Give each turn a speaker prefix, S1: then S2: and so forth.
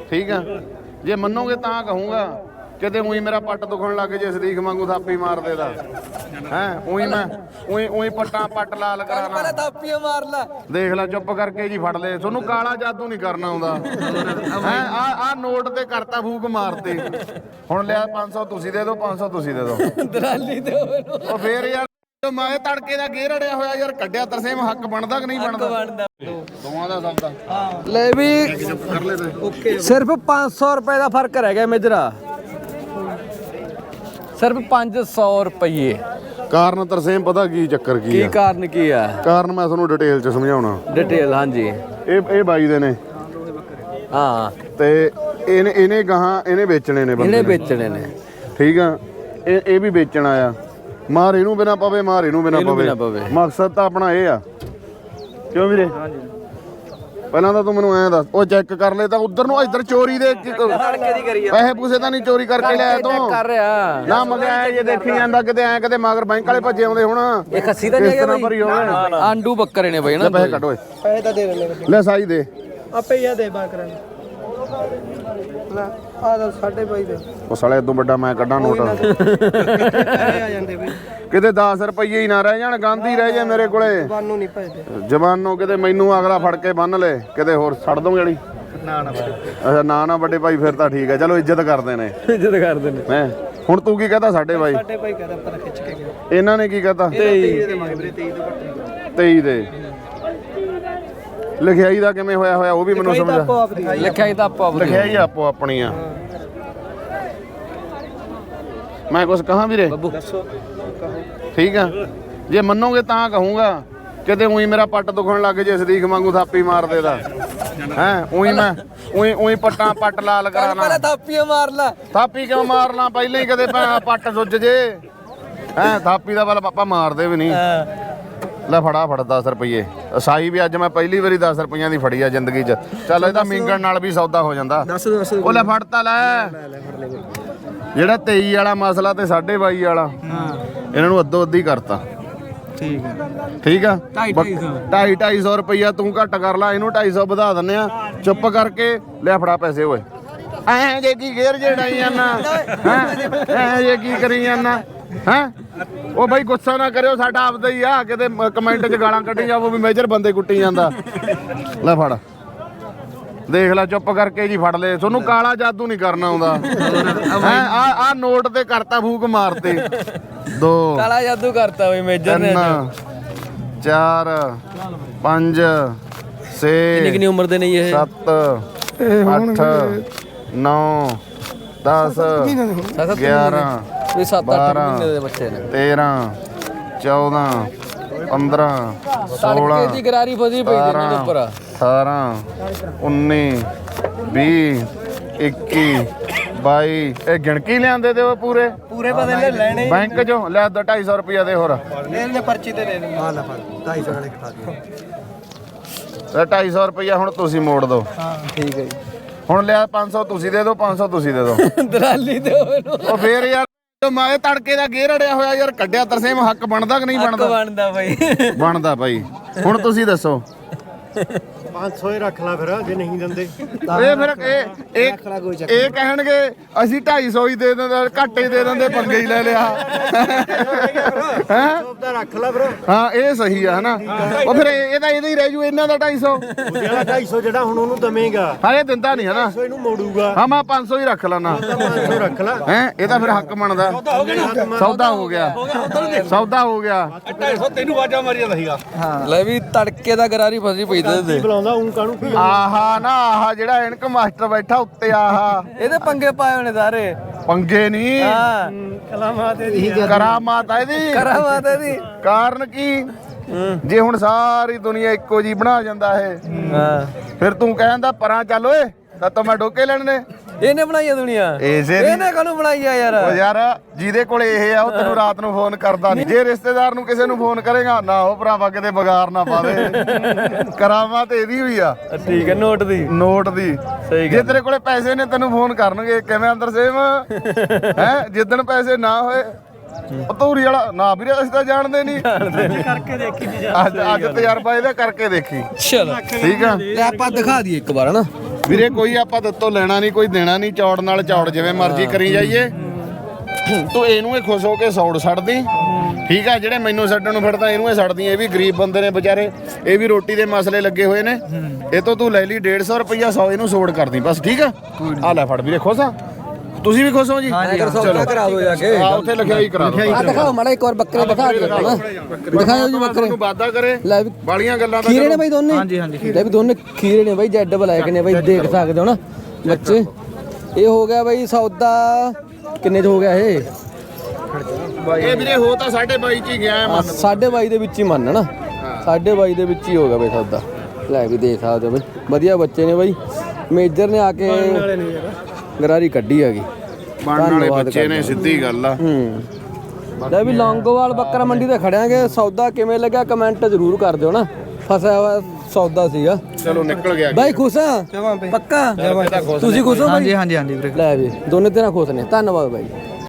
S1: ਠੀਕ ਆ ਜੇ ਮੰਨੋਗੇ ਤਾਂ ਕਹੂੰਗਾ ਕਿਤੇ ਉਹੀ ਮੇਰਾ ਪੱਟ ਦੁਖਣ ਲੱਗ ਜੇ ਸਰੀਖ ਵਾਂਗੂ ਥਾਪੀ ਮਾਰ ਦੇਦਾ ਹੈ ਉਹੀ ਮੈਂ ਉਹੀ ਪੱਟ ਲਾਲ ਕਰਾਣਾ
S2: ਥਾਪੀਆਂ ਮਾਰ ਲੈ
S1: ਦੇਖ ਲੈ ਚੁੱਪ ਕਰਕੇ ਜੀ ਫੜ ਲੈ ਤੁਹਾਨੂੰ ਕਾਲਾ ਜਾਦੂ ਨਹੀਂ ਕਰਨਾ ਆਉਂਦਾ ਹੈ ਆ ਨੋਟ ਤੇ ਕਰਤਾ ਫੂਕ ਮਾਰਤੇ ਹੁਣ ਲਿਆ 500 ਤੁਸੀਂ ਦੇ ਦਿਓ 500 ਤੁਸੀਂ ਦੇ ਦਿਓ
S2: ਦਲਾਲੀ ਦੇ
S1: ਉਹ ਫੇਰ ਯਾਰ ਮੈਂ ਤੜਕੇ ਦਾ ਗੇਰ ਅੜਿਆ ਹੋਇਆ ਯਾਰ ਕੱਢਿਆ ਤਰਸੇਮ ਹੱਕ ਬਣਦਾ ਕਿ ਨਹੀਂ ਬਣਦਾ ਦੋਵਾਂ ਦਾ ਸੌਦਾ
S2: ਲੈ ਵੀ
S1: ਕਰ ਲੈ ਤੇ
S2: ਸਿਰਫ 500 ਰੁਪਏ ਦਾ ਫਰਕ ਰਹਿ ਗਿਆ ਮੇਜਰਾ ਸਿਰਫ 500 ਰੁਪਏ
S1: ਕਾਰਨ ਤਰਸੇਮ ਪਤਾ ਕੀ ਚੱਕਰ ਕੀ ਆ
S2: ਕਾਰਨ ਕੀ ਆ
S1: ਕਾਰਨ ਮੈਂ ਤੁਹਾਨੂੰ ਡਿਟੇਲ ਚ ਸਮਝਾਉਣਾ
S2: ਡਿਟੇਲ ਹਾਂਜੀ
S1: ਇਹ ਬਾਈ ਦੇ ਨੇ
S2: ਹਾਂ
S1: ਤੇ ਇਹਨੇ ਗਾਹਾਂ ਇਹਨੇ ਵੇਚਣੇ ਨੇ ਬੰਦੇ
S2: ਇਹਨੇ ਵੇਚਣੇ ਨੇ
S1: ਠੀਕ ਆ ਇਹ ਵੀ ਵੇਚਣਾ ਆ ਮਾਰ ਇਹਨੂੰ ਬਿਨਾ ਪਵੇ ਮਾਰ ਇਹਨੂੰ ਬਿਨਾ ਪਵੇ ਮਕਸਦ ਤਾਂ ਆਪਣਾ ਇਹ ਆ ਕਿਉਂ ਵੀਰੇ ਪਹਿਲਾਂ ਤਾਂ ਤੂੰ ਮੈਨੂੰ ਐਂ ਦੱਸ ਉਹ ਚੈੱਕ ਕਰ ਲੈ ਤਾਂ ਉਧਰ ਨੂੰ ਇੱਧਰ ਚੋਰੀ ਦੇ ਪੈਸੇ ਪੂਸੇ ਤਾਂ ਨਹੀਂ ਚੋਰੀ ਕਰਕੇ ਲਿਆਇਆ ਤੂੰ
S2: ਕਰ ਰਿਹਾ
S1: ਨਾ ਮਗਿਆ ਜੇ ਦੇਖੀ ਜਾਂਦਾ ਕਿਤੇ ਐਂ ਕਿਤੇ ਮਗਰ ਬੈਂਕ ਵਾਲੇ ਭੱਜੇ ਆਉਂਦੇ ਹੁਣ
S2: ਇਹ ਖੱਸੀ ਤਾਂ ਨਹੀਂ ਹੈਗਾ
S1: ਭਰੀ ਹੋਵੇ
S2: ਆਂਡੂ ਬੱਕਰੇ ਨੇ ਬਈ ਨਾ
S1: ਪੈਸੇ ਕੱਢ ਓਏ
S2: ਪੈਸੇ ਤਾਂ ਦੇ ਦੇ
S1: ਲੈ ਸਾਈ ਦੇ
S2: ਆਪੇ ਹੀ ਆ ਦੇ ਬਾਕਰਾਂ ਲੈ ਆ ਦਾ 2.5 ਦੇ
S1: ਉਹ ਸਾਲੇ ਇਦੋਂ ਵੱਡਾ ਮੈਂ ਕੱਢਾਂ ਨੋਟ
S2: ਆ ਜਾਂਦੇ ਬਈ
S1: ਕਿਤੇ 10 ਰੁਪਏ ਹੀ ਨਾ ਰਹਿ ਜਾਣ ਗਾਂਧੀ ਰਹਿ ਜਾ ਮੇਰੇ ਕੋਲੇ
S2: ਬਾਨੂੰ ਨਹੀਂ ਭਜਦੇ
S1: ਜਵਾਨੋਂ ਕਿਤੇ ਮੈਨੂੰ ਅਗਲਾ ਫੜ ਕੇ ਬੰਨ ਲੈ ਕਿਤੇ ਹੋਰ ਛੱਡ ਦੋਗੇ ਵਾਲੀ ਅੱਛਾ ਨਾ ਵੱਡੇ ਭਾਈ ਫਿਰ ਤਾਂ ਠੀਕ ਹੈ ਚਲੋ ਇੱਜ਼ਤ ਕਰਦੇ ਨੇ
S2: ਇੱਜ਼ਤ ਕਰਦੇ ਨੇ
S1: ਮੈਂ ਹੁਣ ਤੂੰ ਕੀ ਕਹਤਾ ਸਾਡੇ ਭਾਈ
S2: ਭਾਈ ਕਹਦਾ ਪਰ ਖਿੱਚ ਕੇ ਗਿਆ
S1: ਇਹਨਾਂ ਨੇ ਕੀ ਕਹਤਾ
S2: 23 ਦੇ ਮੰਗੇ ਵੀਰੇ 23 ਤੋਂ ਘੱਟ
S1: 23 ਦੇ ਲਿਖਿਆਈ ਦਾ ਕਿਵੇਂ ਹੋਇਆ ਉਹ ਵੀ ਮੈਨੂੰ ਸਮਝਾ
S2: ਲਿਖਿਆਈ ਤਾਂ ਆਪੋ ਆਪਣੀ
S1: ਲਿਖਿਆਈ ਆਪੋ ਆਪਣੀ ਆ ਮੈਂ ਕੁਝ ਕਹਾਂ ਵੀਰੇ
S2: ਬੱਬੂ ਦੱਸੋ
S1: ਠੀਕ ਆ ਜੇ ਮੰਨੋਗੇ ਤਾਂ ਕਹੂੰਗਾ ਕਿਤੇ ਉਹੀ ਮੇਰਾ ਪੱਟ ਦੁਖਣ ਲੱਗ ਜੇ ਸਰੀਖ ਵਾਂਗੂ ਥਾਪੀ ਮਾਰ ਦੇਦਾ ਹੈ ਉਹੀ ਮੈਂ ਉਹੀ ਪੱਟ ਲਾਲ ਕਰਾਣਾ
S2: ਥਾਪੀਆਂ ਮਾਰ ਲੈ
S1: ਥਾਪੀ ਕਿਉਂ ਮਾਰਨਾ ਪਹਿਲਾਂ ਹੀ ਕਦੇ ਪੱਟ ਸੁੱਜ ਜੇ ਹੈ ਥਾਪੀ ਦਾ ਵੱਲ ਪਾਪਾ ਮਾਰਦੇ ਵੀ ਨਹੀਂ ਲੈ ਫੜਾ 10 ਰੁਪਏ ਸਾਈ ਵੀ ਅੱਜ ਮੈਂ ਪਹਿਲੀ ਵਾਰੀ 10 ਰੁਪਈਆਂ ਦੀ ਫੜੀ ਆ ਜ਼ਿੰਦਗੀ 'ਚ ਚੱਲ ਇਹਦਾ ਮਿੰਗਣ ਨਾਲ ਵੀ ਸੌਦਾ ਹੋ ਜਾਂਦਾ
S2: ਦੱਸ
S1: ਉਹ ਲੈ ਫੜਤਾ ਲੈ ਜਿਹੜਾ 23 ਵਾਲਾ ਮਸਲਾ ਤੇ 22.5 ਵਾਲਾ ਇਹਨਾਂ ਨੂੰ ਅੱਧੋ ਅੱਧੀ ਕਰਤਾ ਠੀਕ ਆ 250 ਰੁਪਈਆ ਤੂੰ ਘੱਟ ਕਰ ਲਾ ਇਹਨੂੰ 250 ਵਧਾ ਦਿੰਨੇ ਆ ਚੁੱਪ ਕਰਕੇ ਲੈ ਫੜਾ ਪੈਸੇ ਓਏ ਐ ਜੇ ਕੀ ਗੇਰ ਜਿਹੜਾਈ ਜਾਂਦਾ ਐ ਜੇ ਕੀ ਕਰੀ ਜਾਂਦਾ ਹੈ ਉਹ ਬਾਈ ਗੁੱਸਾ ਨਾ ਕਰਿਓ ਸਾਡਾ ਆਪਦਾ ਹੀ ਆ ਕਿਤੇ ਕਮੈਂਟ 'ਚ ਗਾਲਾਂ ਕੱਢੀ ਜਾਵੋ ਵੀ ਮੇਜਰ ਬੰਦੇ ਕੁੱਟੀ ਜਾਂਦਾ ਲੈ ਫੜ ਦੇਖ ਲੈ ਚੁੱਪ ਕਰਕੇ ਜੀ ਫੜ ਲੈ ਤੁਹਾਨੂੰ ਕਾਲਾ ਜਾਦੂ ਨਹੀਂ ਕਰਨਾ ਆਉਂਦਾ ਹੈ ਆ ਨੋਟ ਤੇ ਕਰਤਾ ਫੂਕ ਮਾਰਤੇ 2
S2: ਕਾਲਾ ਜਾਦੂ ਕਰਤਾ ਓਏ ਮੇਜਰ ਨੇ
S1: 4 5 6
S2: ਕਿੰਨੀ ਉਮਰ ਦੇ ਨੇ ਇਹ
S1: 7 8 9 10 11
S2: ਇਹ 7-8 ਮਹੀਨੇ ਦੇ ਬੱਚੇ ਨੇ
S1: 13 14 15 16
S2: ਦੀ ਗਰਾਰੀ ਫਸੀ ਪਈ ਦੇ ਇਹਨਾਂ ਦੇ ਉੱਪਰ
S1: 18 19 20 21 22 ਇਹ ਗਿਣਕੀ ਲਿਆਂਦੇ ਤੇ ਉਹ ਪੂਰੇ
S2: ਬਦਲੇ ਲੈਣੇ
S1: ਬੈਂਕ ਚੋਂ ਲੈ 250 ਰੁਪਇਆ ਦੇ ਹੋਰ
S2: ਇਹਨੇ ਪਰਚੀ ਤੇ ਲੈ ਲਈ ਆ ਲੈ ਫੜ 250 ਵਾਲੇ ਖਾ
S1: ਤੇ 250 ਰੁਪਇਆ ਹੁਣ ਤੁਸੀਂ ਮੋੜ ਦਿਓ
S2: ਹਾਂ ਠੀਕ ਹੈ ਜੀ
S1: ਹੁਣ ਲਿਆ 500 ਤੁਸੀਂ ਦੇ ਦਿਓ 500 ਤੁਸੀਂ ਦੇ ਦਿਓ
S2: ਦਲਾਲੀ ਦੇ
S1: ਉਹ ਫੇਰ ਯਾਰ ਮੈਂ ਤੜਕੇ ਦਾ ਗੇਰ ਅੜਿਆ ਹੋਇਆ ਯਾਰ ਕੱਢਿਆ ਤਰਸੇਮ ਹੱਕ ਬਣਦਾ ਕਿ ਨਹੀਂ ਬਣਦਾ
S2: ਬਣਦਾ ਬਾਈ
S1: ਬਣਦਾ ਭਾਈ ਹੁਣ ਤੁਸੀਂ ਦੱਸੋ
S3: 500 ਹੀ ਰੱਖ ਲਾ ਫਿਰ ਜੇ ਨਹੀਂ ਦਿੰਦੇ
S1: ਇਹ ਫਿਰ ਇਹ ਕਹਿਣਗੇ ਅਸੀਂ 250 ਹੀ ਦੇ ਦਿੰਦੇ ਘੱਟ ਹੀ ਦੇ ਦਿੰਦੇ ਪੰਗੇ ਹੀ ਲੈ ਲਿਆ ਹੈ
S3: ਉਹਦਾ ਰੱਖ ਲਾ ਫਿਰ
S1: ਹਾਂ ਇਹ ਸਹੀ ਆ ਹਨਾ ਉਹ ਫਿਰ ਇਹਦਾ ਹੀ ਰਹਿ ਜੂ ਇਹਨਾਂ ਦਾ 250
S3: ਜਿਹੜਾ 250 ਜਿਹੜਾ ਹੁਣ ਉਹਨੂੰ ਦਵੇਂਗਾ
S1: ਹਾਂ ਇਹ ਦਿੰਦਾ ਨਹੀਂ ਹਨਾ
S3: ਇਹਨੂੰ ਮੋੜੂਗਾ
S1: ਹਾਂ ਮੈਂ 500 ਹੀ ਰੱਖ ਲੈਣਾ
S3: 500 ਰੱਖ ਲਾ
S1: ਹੈ ਇਹਦਾ ਫਿਰ ਹੱਕ ਬਣਦਾ ਸੌਦਾ ਹੋ ਗਿਆ ਸੌਦਾ ਹੋ ਗਿਆ
S3: 250 ਤੈਨੂੰ ਵਾਜਾ ਮਾਰੀ ਜਾਂਦਾ ਸੀਗਾ
S2: ਲੈ ਵੀ ਤੜਕੇ ਦਾ ਗਰਾਰੀ ਫਸੀ ਪਈ ਦੇ
S3: ਬੁਲਾਉਂਦਾ ਉਂ ਕਾਹਨੂੰ ਕੀ
S1: ਆਹਾ ਨਾ ਆਹਾ ਜਿਹੜਾ ਇਨਕ ਮਾਸਟਰ ਬੈਠਾ ਉੱਤੇ ਆਹਾ
S2: ਇਹਦੇ ਪੰਗੇ ਪਾਏ ਹੋਣੇ ਸਾਰੇ
S1: ਪੰਗੇ ਨਹੀਂ
S2: ਹਾਂ
S3: ਕਲਾਮਾਤ ਇਹਦੀ
S1: ਕਰਾਮਾਤ ਆ ਇਹਦੀ
S2: ਕਰਾਮਾਤ ਇਹਦੀ
S1: ਕਾਰਨ ਕੀ ਜੇ ਹੁਣ ਸਾਰੀ ਦੁਨੀਆ ਇੱਕੋ ਜੀ ਬਣਾ ਜਾਂਦਾ ਇਹ
S2: ਹਾਂ
S1: ਫਿਰ ਤੂੰ ਕਹਿੰਦਾ ਪਰਾਂ ਚੱਲ ਓਏ ਤਾਂ ਮੈਂ ਡੋਕੇ ਲੈਣ ਨੇ
S2: ਇਹਨੇ ਬਣਾਈ ਆ ਦੁਨੀਆ ਇਹਨੇ ਕਾਹਨੂੰ ਬਣਾਈ ਆ ਯਾਰ
S1: ਉਹ ਯਾਰ ਜਿਹਦੇ ਕੋਲੇ ਇਹ ਆ ਉਹ ਤੈਨੂੰ ਰਾਤ ਨੂੰ ਫੋਨ ਕਰਦਾ ਨਹੀਂ ਜੇ ਰਿਸ਼ਤੇਦਾਰ ਨੂੰ ਕਿਸੇ ਨੂੰ ਫੋਨ ਕਰੇਗਾ ਨਾ ਉਹ ਭਰਾਵਾ ਕਿਤੇ ਬਗਾਰ ਨਾ ਪਾਵੇ ਕਰਾਮਾਤ ਇਹਦੀ ਹੋਈ ਆ
S2: ਠੀਕ ਹੈ ਨੋਟ ਦੀ ਸਹੀ
S1: ਜੇ ਤੇਰੇ ਕੋਲੇ ਪੈਸੇ ਨੇ ਤੈਨੂੰ ਫੋਨ ਕਰਨਗੇ ਕਿਵੇਂ ਅੰਦਰ ਸੇਮ ਹੈ ਜਿੱਦਣ ਪੈਸੇ ਨਾ ਹੋਏ ਧੂਰੀ ਵਾਲਾ ਨਾ ਵੀਰੇ ਅਸੀਂ ਤਾਂ ਜਾਣਦੇ ਨਹੀਂ
S3: ਕਰਕੇ ਦੇਖੀ ਜੀ
S1: ਅੱਜ ਤਜਰਬਾ ਇਹਦਾ ਕਰਕੇ ਦੇਖੀ
S2: ਚਲ
S1: ਠੀਕ ਆ
S2: ਲੈ ਆਪਾਂ ਦਿਖਾ ਦਈਏ ਇੱਕ ਵਾਰ ਹਨਾ
S1: ਵੀਰੇ ਕੋਈ ਆਪਾਂ ਦਿੱਤੋਂ ਲੈਣਾ ਨਹੀਂ, ਕੋਈ ਦੇਣਾ ਨਹੀਂ, ਚੌੜ ਨਾਲ ਚੌੜ ਜਿਵੇਂ ਮਰਜ਼ੀ ਕਰੀ ਜਾਈਏ। ਤੂੰ ਇਹਨੂੰ ਇਹ ਖੁਸ਼ ਹੋ ਕੇ ਸੌੜ ਛੱਡਦੀ, ਠੀਕ ਆ। ਜਿਹੜੇ ਮੈਨੂੰ ਛੱਡਣ ਨੂੰ ਫਿਰਦਾ ਇਹਨੂੰ ਇਹ ਛੱਡਦੀ। ਇਹ ਵੀ ਗਰੀਬ ਬੰਦੇ ਨੇ ਵਿਚਾਰੇ, ਇਹ ਵੀ ਰੋਟੀ ਦੇ ਮਸਲੇ ਲੱਗੇ ਹੋਏ ਨੇ। ਇਹ ਤੋਂ ਤੂੰ ਲੈ ਲਈ 150 ਰੁਪਈਆ, 100 ਇਹਨੂੰ ਸੋੜ ਕਰਦੀ ਬਸ, ਠੀਕ ਆ। ਆ ਲੈ ਫੜ ਵੀਰੇ, ਖੁਸ਼ ਆ ਤੁਸੀਂ ਵੀ ਖੁਸ਼ ਹੋ ਜੀ?
S2: ਚਲੋ ਕਰਾ ਦੋ ਜਾ ਕੇ
S1: ਆ ਉੱਥੇ ਲਿਖਿਆ ਹੀ ਕਰਾ ਦੋ।
S2: ਆ ਦਿਖਾਓ ਮਾੜਾ ਇੱਕ ਵਾਰ ਬੱਕਰੇ ਦਿਖਾ ਦਿਓ, ਦਿਖਾਓ ਜੀ ਬੱਕਰੇ
S1: ਨੂੰ ਵਾਦਾ ਕਰੇ
S2: ਲੈ ਵੀ
S1: ਬਾਲੀਆਂ ਗੱਲਾਂ ਦਾ
S2: ਖੀਰੇ ਨੇ ਬਾਈ ਦੋਨੇ। ਹਾਂਜੀ ਹਾਂਜੀ ਲੈ ਵੀ ਦੋਨੇ ਖੀਰੇ ਨੇ ਬਾਈ, ਜੈਡ ਬਲੈਕ ਨੇ ਬਾਈ, ਦੇਖ ਸਕਦੇ ਹੋ ਨਾ ਬੱਚੇ। ਇਹ ਹੋ ਗਿਆ ਬਾਈ ਸੌਦਾ ਕਿੰਨੇ ਚ ਹੋ ਗਿਆ ਇਹ?
S1: ਇਹ ਵੀਰੇ ਹੋ ਤਾਂ 22.5 ਚ ਹੀ ਗਿਆ ਹੈ।
S2: 22.5 ਦੇ ਵਿੱਚ ਹੀ ਮੰਨ ਨਾ, 22.5 ਦੇ ਵਿੱਚ ਹੀ ਹੋ ਗਿਆ ਬਾਈ ਸੌਦਾ। ਲੈ ਵੀ ਦੇਖ ਸਕਦੇ ਹੋ ਬਾਈ, ਵਧੀਆ ਬੱਚੇ ਨੇ ਬਾਈ। ਮੇਜਰ ਨੇ ਆ ਕੇ ਗਰਾਰੀ ਕੱਢੀ ਹੈਗੀ,
S1: ਬਣਨ ਵਾਲੇ ਬੱਚੇ ਨੇ, ਸਿੱਧੀ ਗੱਲ ਆ।
S2: ਲੈ ਵੀ ਲੌਂਗੋਵਾਲ ਬੱਕਰਾ ਮੰਡੀ ਤੇ ਖੜਿਆਂਗੇ। ਸੌਦਾ ਕਿਵੇਂ ਲੱਗਿਆ ਕਮੈਂਟ ਜ਼ਰੂਰ ਕਰ ਦਿਓ ਨਾ, ਫਸਿਆ ਹੋਇਆ ਸੌਦਾ ਸੀਗਾ।
S1: ਚਲੋ ਨਿਕਲ ਗਿਆ
S2: ਬਾਈ ਖੁਸ਼ ਆ ਪੱਕਾ? ਤੁਸੀਂ ਖੁਸ਼ ਹੋ ਬਾਈ?
S4: ਹਾਂਜੀ ਹਾਂਜੀ ਹਾਂਜੀ ਵੀਰੇ।
S2: ਲੈ ਵੀ ਦੋਨੇ ਤੇਰਾ ਖੁਸ਼ ਨੇ, ਧੰਨਵਾਦ ਬਾਈ।